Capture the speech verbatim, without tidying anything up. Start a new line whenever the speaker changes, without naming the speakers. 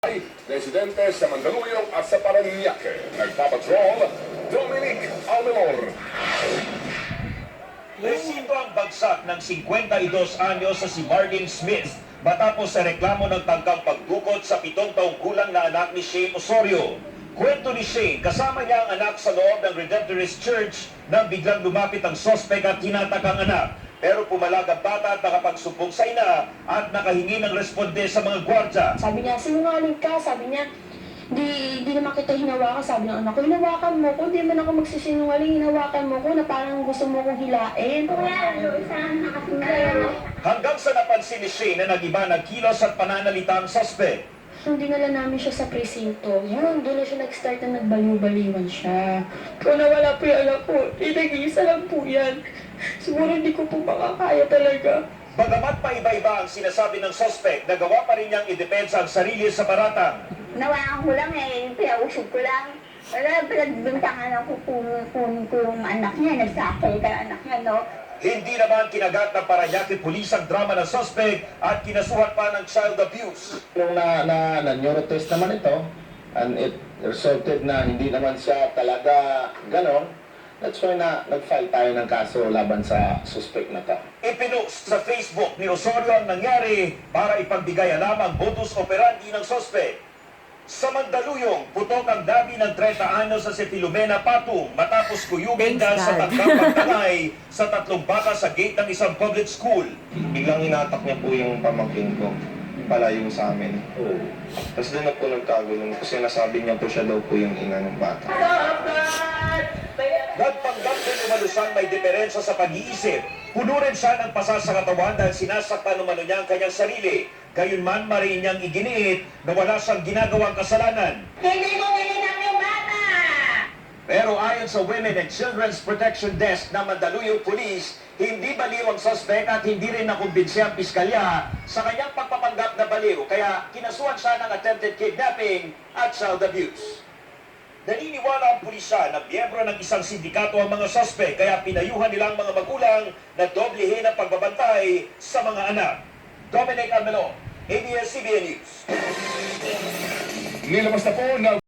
Residente sa Mandaluyong at sa Paranaque. Nagpapatrol, Dominic Almelor.
Resibo ang bagsak ng fifty-two anyos sa si Marlene Smith matapos sa reklamo ng tangkang pagdukot sa pitong taong gulang na anak ni Shane Osorio. Kwento ni Shane, kasama niya ang anak sa loob ng Redemptorist Church nang biglang lumapit ang sospek at hinatak ang anak. Pero pumalag ang bata at nakapagsumbong sa ina at nakahingi ng responde sa mga gwardya.
Sabi niya, sinungaling ka. Sabi niya, di, di naman kita hinawakan. Sabi ng anak ko, hinawakan mo ko. Di man ako magsisinungaling. Hinawakan mo ko na parang gusto mo kong hilain.
Hanggang sa napansin ni Shane na nag-iba ng kilos at pananalita ang suspect.
Nung dinala namin siya sa presinto, yun, doon na siya nag-start na nagbaliw-baliwan siya. Kung nawala po yung anak ko, eh, nag-iisa lang po yan. Siguro hindi ko po makakaya talaga.
Bagamat pa iba-iba ang sinasabi ng suspect, nagawa pa rin niyang idepensa ang sarili sa paratang.
Nawaan ko lang eh, pinausog ko lang. Wala, pinagbintangan ako kung, kung, kung anak niya, nagsakay ka anak niya, no?
Hindi naman kinagat ng Paranaque Police ang drama ng suspect at kinasuhan pa ng child abuse.
Nung na, na, na neurotest naman ito, and it resulted na hindi naman siya talaga ganon, that's why na nag-file tayo ng kaso laban sa suspect na to.
Ipinost sa Facebook ni Osorio ang nangyari para ipagbigay alam ang modus operandi ng suspect. Sa Mandaluyong, putok ang dabi ng thirty anyos sa si Filomena Patung matapos kuyugin dahil sa tangkang pagtangay sa tatlong baka sa gate ng isang public school.
Biglang inatak niya po yung pamangkin ko, palayo sa amin. Tapos doon na po nagkagulong kasi nasabi niya po siya daw po yung ina ng bata.
Nagpanggap din umalusang may diferensya sa pag-iisip. Puno rin siya ng pasa sa katawan dahil sinasaktan umano niya ang kanyang sarili. Gayunman, mariin niyang iginiit na wala siyang ginagawang kasalanan.
Hindi mo ginanap yung bata!
Pero ayon sa Women and Children's Protection Desk ng Mandaluyong Police, hindi baliw ang suspect at hindi rin nakumbinsi ang piskalya sa kanyang pagpapanggap na baliw. Kaya kinasuhan siya ng attempted kidnapping at child abuse. Naniniwala ang pulisya na miyembro ng isang sindikato ang mga suspect kaya pinayuhan nilang mga magulang na doblehin ang pagbabantay sa mga anak. Dominic Almelor, A B S C B N News.
Nilabas na po na